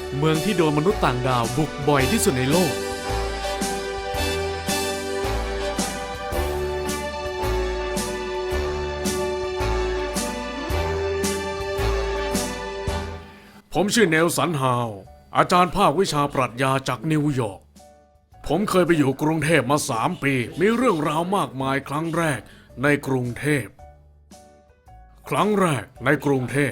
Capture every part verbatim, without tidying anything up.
เมืองที่โดนมนุษย์ต่างดาวบุกบ่อยที่สุดในโลกผมชื่อเนลสันฮาวอาจารย์ภาควิชาปรัชญาจากนิวยอร์กผมเคยไปอยู่กรุงเทพมาสามปีมีเรื่องราวมากมายครั้งแรกในกรุงเทพครั้งแรกในกรุงเทพ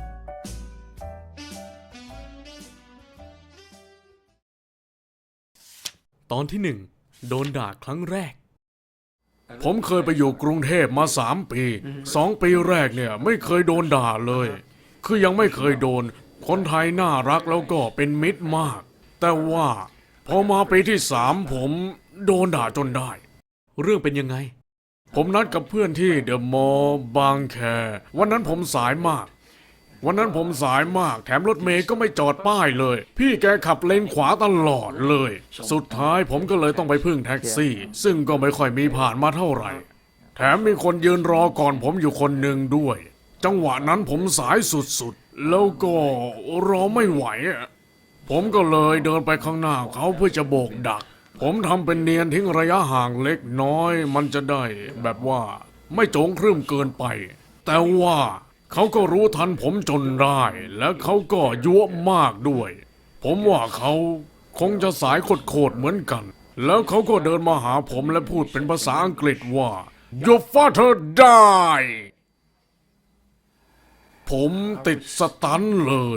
ตอนที่หนึ่งโดนด่าครั้งแรกผมเคยไปอยู่กรุงเทพมาสามปีสองปีแรกเนี่ยไม่เคยโดนด่าเลยคือยังไม่เคยโดนคนไทยน่ารักแล้วก็เป็นมิตรมากแต่ว่าพอมาปีที่สามผมโดนด่าจนได้เรื่องเป็นยังไงผมนัดกับเพื่อนที่เดอะมอลล์บางแควันนั้นผมสายมากวันนั้นผมสายมากแถมรถเมย์ก็ไม่จอดป้ายเลยพี่แกขับเลนขวาตลอดเลยสุดท้ายผมก็เลยต้องไปพึ่งแท็กซี่ซึ่งก็ไม่ค่อยมีผ่านมาเท่าไหร่แถมมีคนยืนรอก่อนผมอยู่คนหนึ่งด้วยจังหวะนั้นผมสายสุดๆแล้วก็รอไม่ไหวผมก็เลยเดินไปข้างหน้าเขาเพื่อจะโบกดักผมทำเป็นเนียนทิ้งระยะห่างเล็กน้อยมันจะได้แบบว่าไม่โจงครึ่มเกินไปแต่ว่าเขาก็รู้ทันผมจนได้และเขาก็ยั่วมากด้วยผมว่าเขาคงจะสายโคตรๆเหมือนกันแล้วเขาก็เดินมาหาผมและพูดเป็นภาษาอังกฤษว่า Your father died ผมติดสตันเลย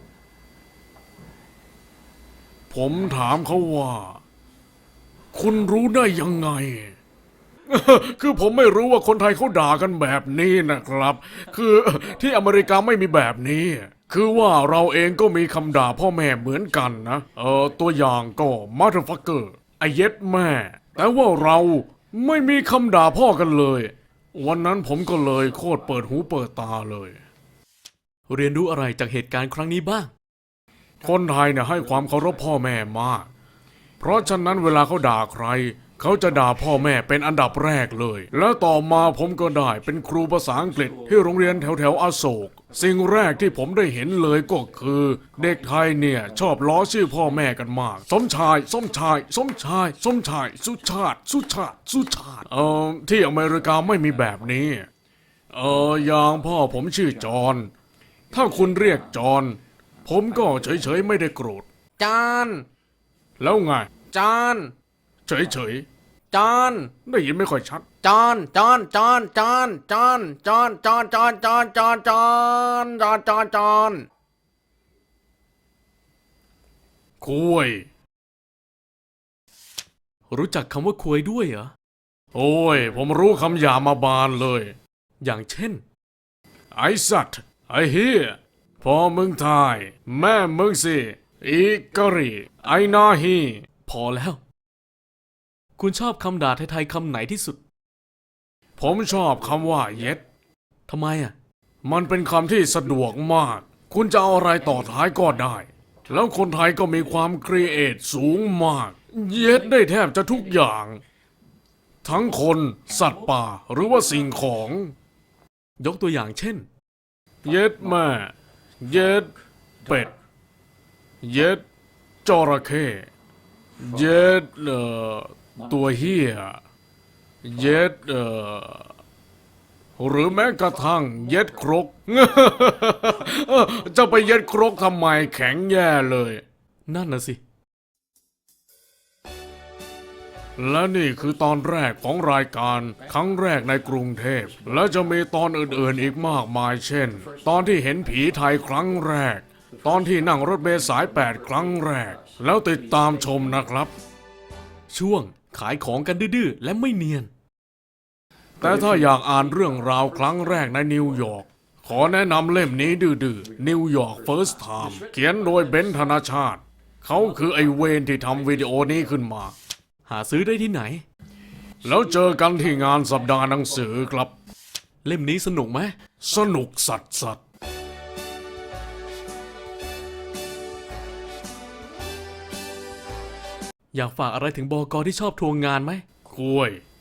ผมถามเขาว่าคุณรู้ได้ยังไง คือผมไม่รู้ว่าคนไทยเขาด่ากันแบบนี้นะครับ คือที่อเมริกาไม่มีแบบนี้ คือว่าเราเองก็มีคำด่าพ่อแม่เหมือนกันนะ เออตัวอย่างก็ motherfucker ไอ้เย็ดแม่ แต่ว่าเราไม่มีคำด่าพ่อกันเลย วันนั้นผมก็เลยโคตรเปิดหูเปิดตาเลย เรียนรู้อะไรจากเหตุการณ์ครั้งนี้บ้าง คนไทยเนี่ยให้ความเคารพพ่อแม่มาก เพราะฉะนั้นเวลาเขาด่าใครเขาจะด่าพ่อแม่เป็นอันดับแรกเลยแล้วต่อมาผมก็ได้เป็นครูภาษาอังกฤษที่โรงเรียนแถวแถวอโศกสิ่งแรกที่ผมได้เห็นเลยก็คือเด็กไทยเนี่ยชอบล้อชื่อพ่อแม่กันมากสมชายสมชายสมชายสมชายสุชาติสุชาติสุชาติเอ่อที่อเมริกาไม่มีแบบนี้เอออย่างพ่อผมชื่อจอห์นถ้าคุณเรียกจอห์นผมก็เฉยๆไม่ได้โกรธจานแล้วไงจานเฉยๆจานได้ยินไม่ค่อยชัดจานจานจานจานจานจานจานจานจานจานจานจานจานจานคุยรู้จักคำว่าคุยด้วยเหรอโอ้ยผมรู้คำหยามาบานเลยอย่างเช่นไอ้สัตว์ไอ้เฮียพอมึงทายแม่มึงสิอีกะรีไอ้นาฮีพอแล้วคุณชอบคำด่าไทยๆคำไหนที่สุดผมชอบคำว่าเย็ดทำไมอ่ะมันเป็นคำที่สะดวกมากคุณจะเอาอะไรต่อท้ายก็ได้แล้วคนไทยก็มีความครีเอทสูงมากเย็ดได้แทบจะทุกอย่างทั้งคนสัตว์ป่าหรือว่าสิ่งของยกตัวอย่างเช่นเย็ดแม่เย็ดเป็ดเย็ดจระเข้เย็ดเอ่อตัวเหี้ยเย็ดเอ่อหรือแม้กระทั่งเย็ดครก จะไปเย็ดครกทำไมแข็งแย่เลยนั่นน่ะสิและนี่คือตอนแรกของรายการครั้งแรกในกรุงเทพและจะมีตอนอื่นๆอีกมากมายเช่นตอนที่เห็นผีไทยครั้งแรกตอนที่นั่งรถเมล์สายแปดครั้งแรกแล้วติดตามชมนะครับช่วงขายของกันดื้อๆและไม่เนียนแต่ถ้าอยากอ่านเรื่องราวครั้งแรกในนิวยอร์กขอแนะนำเล่มนี้ดื้อๆ New York First Time เขียนโดยเบนซ์ ธนชาติเขาคือไอเวนที่ทำวิดีโอนี้ขึ้นมาหาซื้อได้ที่ไหนแล้วเจอกันที่งานสัปดาห์หนังสือครับเล่มนี้สนุกไหมสนุกสัสสัสอยากฝากอะไรถึงบก.ที่ชอบทวงงานไหมคุย